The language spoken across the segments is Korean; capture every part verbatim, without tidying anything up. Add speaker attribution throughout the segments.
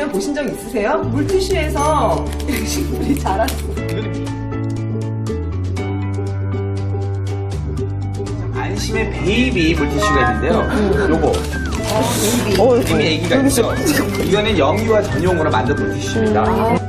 Speaker 1: 물티슈를 보신 적 있으세요? 물티슈에서 식물이 자랐어.
Speaker 2: 안심의 베이비 물티슈가 있는데요. 요거.
Speaker 1: 어, 베이비.
Speaker 3: 어,
Speaker 2: 이미 애기가 있죠. 이거는 영유아 전용으로 만든 물티슈입니다.
Speaker 3: 음.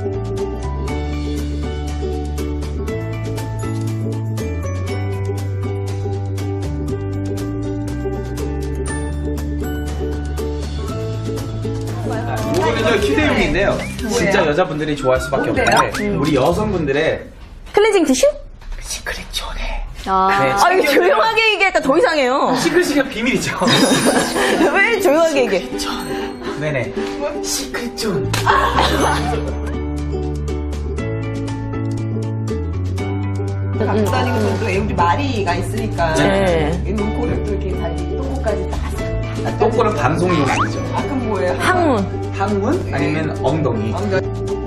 Speaker 2: 요거는요 휴대용인데요. 진짜 여자분들이 좋아할 수밖에
Speaker 1: 뭔데요?
Speaker 2: 없는데 우리 여성분들의
Speaker 3: 클렌징 티슈?
Speaker 2: 시크릿 존에
Speaker 3: 아,
Speaker 2: 네,
Speaker 3: 아 이거
Speaker 2: 챙겨야
Speaker 3: 조용하게 얘기할까 더 이상해요.
Speaker 2: 시크릿이가 비밀이죠.
Speaker 3: 왜 조용하게 얘기해?
Speaker 2: 네네. 시크릿 존.
Speaker 1: 갖고 다니는 것도 우리 마리가 있으니까.
Speaker 3: 네.
Speaker 1: 이 눈코를 또 이렇게 달리 똥꼬까지 딱.
Speaker 2: 똥꼬는 방송용 아니죠.
Speaker 1: 아, 그럼 뭐예요?
Speaker 3: 항문.
Speaker 2: 항문 아니면 엉덩이.
Speaker 1: 엉덩이.